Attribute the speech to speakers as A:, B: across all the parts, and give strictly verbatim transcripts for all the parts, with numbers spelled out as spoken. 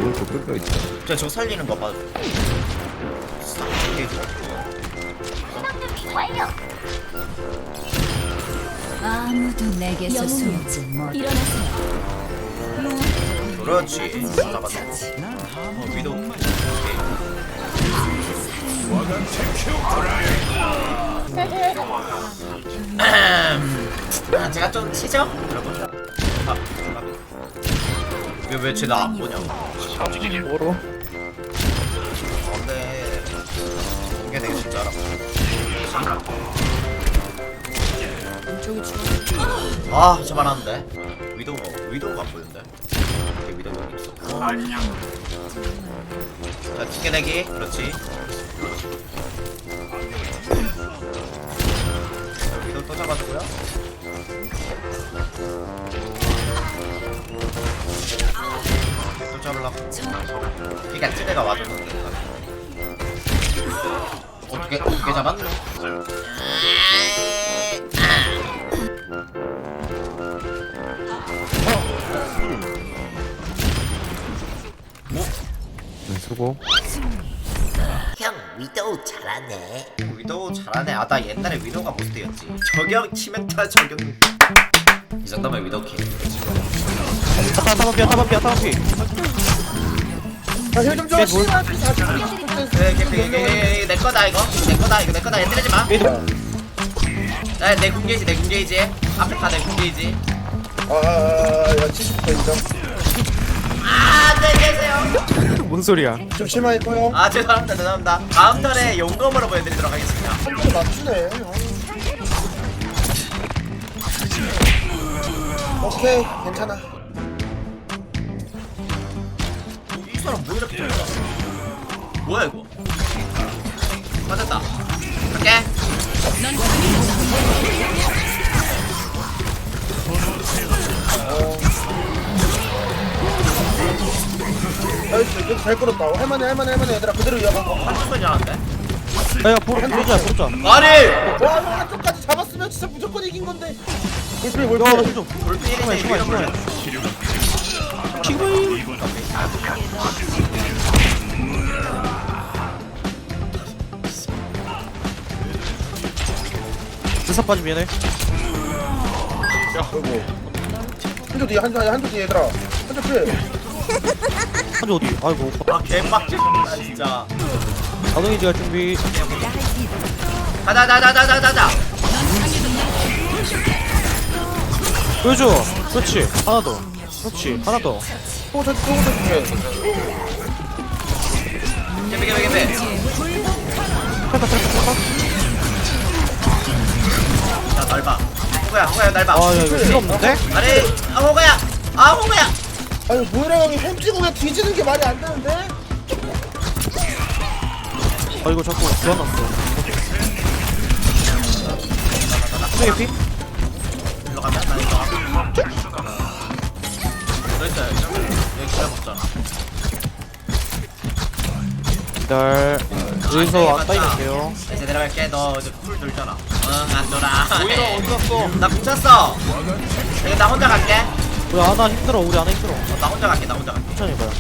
A: 오른쪽 뼈뼈 있죠.
B: 저 저거 살리는 거 봐.
C: 아무도 내게서 숨지 못.
B: 그렇지. 잡았어. 어, 위도. 아, 제가 좀 치죠? 여러분. 아, 왜왜 쟤 나 안 보냐고.
A: 뭐로?
B: 근데 이게 되게 진짜 알아. 아, 저만 하는데. 위도우 위도우가 안 보이는데. 이게 위도우 여기 있어. 자, 튕겨내기. 그렇지. 자, 위도우 또 잡아주고요. 또 잡으려고. 그러니까 찌대가 와줬는데. 어떻게 어떻게 잡았노?
A: 네, 수고.
B: 형 위도우 잘하네. 위도우 잘하네. 아, 나 옛날에 위도우가 모스트였지. 저격 치명타 저격. 이 정도면 위도우 킬.
D: 타반 타반 피야 타반 피야 타반 피.
E: 힐좀 줘. 씨발.
B: 네, 캠핑 이게 내 거다 이거. 내 거다 이거 내 거다. 얘 때리지 마.
D: 미드.
B: 나 내 궁게이지 내 궁게이지. 앞에 다내 궁게이지.
E: 아야 칠십 퍼센트 인정.
B: 아, 안녕히 계세요.
D: 뭔 소리야?
E: 좀 심하겠고요.
B: 아, 죄송합니다 죄송합니다. 다음 턴에 용검으로 보여드리도록 하겠습니다.
E: 한 번에 맞추네. 오케이 괜찮아.
B: 이 사람 뭐 이렇게 잘해? 뭐야 이거? 맞았다. 갈게.
E: 나이스 이거 잘 끌었다. 할만해 할만해 할만해 얘들아 그대로 이어가.
B: 한쪽 소리 나는데?
D: 야 보러 보자 보자.
B: 아니!
E: 와 이거 한쪽까지 잡았으면 진짜 무조건 이긴 건데. 볼필 볼필.
D: 야 좀.
B: 돌핀이네
D: 시간,
B: 이런 걸.
D: 지금. 드사 빠지 미안해.
E: 아이고. 한쪽 뒤에 한쪽 한쪽 뒤에 얘들아. 한쪽 뒤에.
D: 한조 어디? 아이고.
B: 아, 개빡치다 진짜.
D: 자동이지 갈 준비.
B: 가자 가자 가자 가자 가자.
D: 보여줘. 그렇지. 하나 더. 그렇지. 하나 더.
E: 또저 또저 뒤에.
B: 개배 개배 개배. 자, 날봐. 호구야 호구야 날봐.
D: 아, 야, 이거 필요 없는데?
B: 아니, 아 호구야. 아 호구야.
E: 아니 모이라 형이 햄 찍고 그냥 뒤지는 게 말이 안 되는데?
D: 아, 이거 자꾸 교환났어. 수정의 피?
B: 일로 가면 나 이거. 너 있어요. 여기 기다 먹잖아.
D: 기다려. 여기서 안 따이면게요.
B: 이제 내려갈게. 너 이제 풀 돌잖아. 응, 안 돌아.
D: 오히려 어디 갔어?
B: 나 뭉쳤어. 여기 나 혼자 갈게.
D: 우리 아나 힘들어. 우리 아나 힘들어.
B: 어, 나 혼자 갈게. 나 혼자 갈게.
D: 천천히 봐요.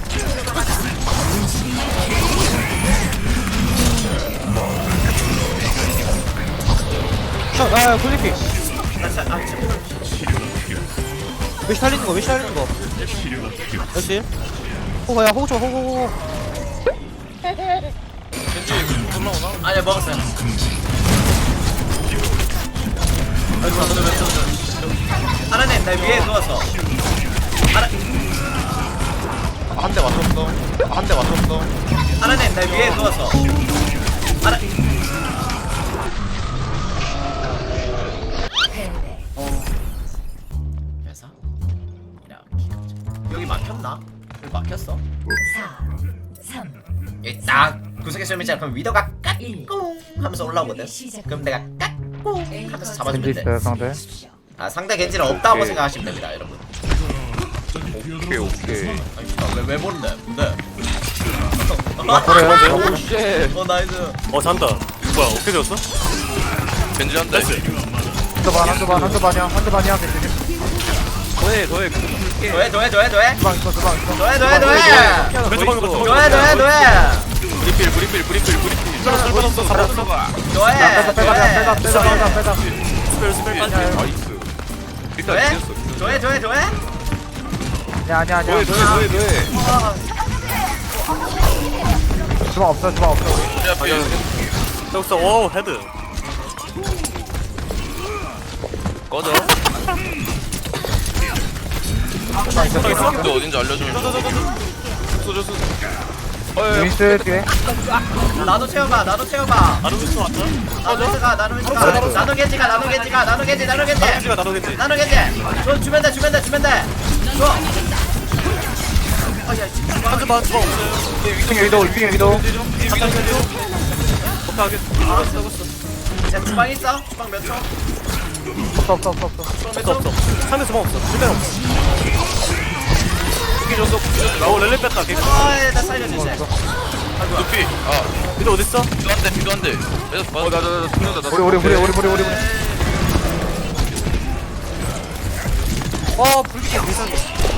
D: 아, 야, 굴리피.
B: 나 진짜 아 지금
D: 몇시 달리는 거, 몇시 달리는 거. 몇시? 호가, 야, 호구 쳐, 호구, 호구.
B: 아니야 먹었어요. 아이고 너는 왜 쳤어? 하나님 나 위에 누웠어. 하나
A: 한 대 맞췄어. 한 대 맞췄어.
B: 하나님 나 위에 누웠어. 하나 그래서 이렇게 여기 막혔나? 여기 막혔어? 여기 딱 구석에 쏠면 있잖아. 그럼 위더가 까꿍 하면서 올라오거든. 그럼 내가 까꿍 하면서 잡아주면 돼.
A: 상대.
B: 아, 상대 겐지는 없다고
A: 오케이.
B: 생각하시면 됩니다, 여러분.
A: 오케이 오케이.
B: 아니, 왜, 왜 모른대? 뭔데?
A: 그래. 오 쉣.
B: 어, 나이스.
F: 어 잔다. 뭐야 어떻게 되었어? 겐지 한대.
A: 한대 반, 한대 반, 한대 반이야, 한대 반이야, 괜찮지?
F: 더해 더해. 할게.
B: 도해 도해 도해 도해
E: 주방 있어 주방 있어.
B: 도해 도해 도해
F: 왼쪽 방금 더.
B: 도해 도해 도해
F: 브리필 브리필 브리필 브리필. 설번 없어 설번 없어.
B: 도해
E: 빼자 빼자 빼자
B: 도해
E: 빼자 빼자 빼자.
F: 스펠 스펠 빠지. 나이스. 일단
B: 도해
F: 이겼어.
B: 도해 도해 도해
E: 아니야 아니야 아니야.
F: 도해 도해 도해 도해.
E: 주방 없어 주방 없어.
F: 야 필.
D: 여기서 오 헤드.
F: 꺼져.
E: 주방 있어 주방 있어.
F: 너 어딘지 알려주면. 쏘줘서. 어이.
E: 루이스 뒤에.
B: 나도 채워봐 나도 채워봐
D: 나도 윈스 왔다.
B: 나도 겐지가 나도 겐지가 나도 겐지가 나도 겐지가 나도 겐지 나도 겐지
D: 겐지가 나도 겐지.
B: 나도 겐지 줘 주면 돼 주면 돼 주면 돼줘 아야 진짜
D: 한주만 주방 없어요.
E: 위층 위도 위층 위도.
D: 잠깐 겐지. 오케이 하겠. 알았어 알았어.
B: 야 주방 있어? 주방 몇 초?
E: 없어 없어 없어 없어.
B: 주방 몇
D: 없어
B: 초?
D: 없어. 상대 주방 없어. 일단 없어. 이게 줬어. 나오 렐레 뺐다. 개그.
B: 아이 나 살려주지
F: 루피. 아.
D: 미도 어딨어?
F: 비도 한 대, 비도 한 대. 어, 나, 나, 나, 죽는다, 나.
E: 우리 우리 우리 우리 우리 우리 우리.
D: 어 불기계 이상해.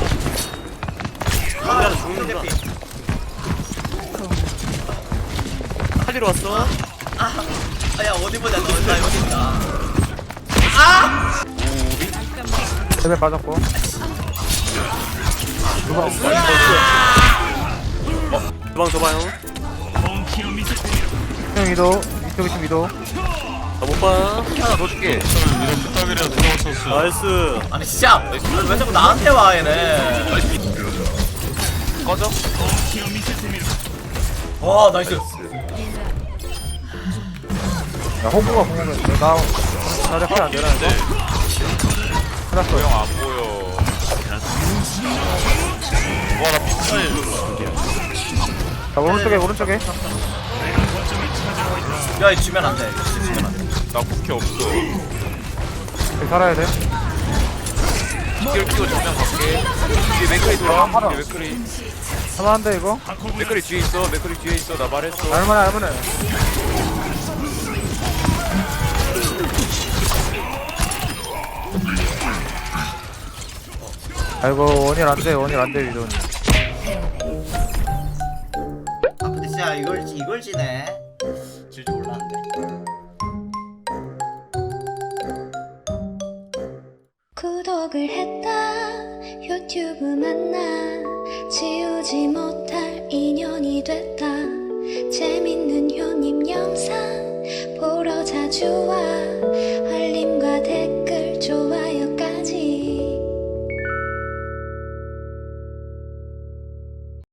B: 아
D: 죽는구나.
B: 대피
D: 칼리로 왔어.
B: 아야 어디 보자 나 여기 있다 아!
E: 세배 빠졌고.
D: 주방 줘봐요.
E: 위층 위도. 위쪽 위층 위도.
D: 나못 봐.
F: 하나 더 줄게. 이런 부탁이라도 넣었었어.
D: 나이스.
B: 아니 진짜 왜 자꾸 나한테 와 얘네
F: 꺼져?
B: 와 나이스
E: 야 호구가 공격했어. 나 자력이 안 되나 이거? 끝났어.
F: 형 안 보여. 와, 나 피차에.
E: 자 오른쪽에 오른쪽에.
B: 야 이 주면 안돼 주면 안돼
F: 나 쿠키 없어.
E: 여기 살아야 돼.
F: 쿠키를 끼고 정면 갈게. 뒤에 맥크리 돌아. 뒤에 맥크리.
E: 할만한데 이거?
F: 맥크리 뒤에 있어. 맥크리 뒤에 있어. 나 말했어.
E: 할만해 할만해. 아이고 원일 안돼 원일 안돼 위도.
B: 아 근데 진짜 이걸 이걸 지네 질 줄 몰랐는데
G: 구독을 했다 유튜브 만나 지우지 못할 인연이 됐다 재밌는 효님 영상 보러 자주 와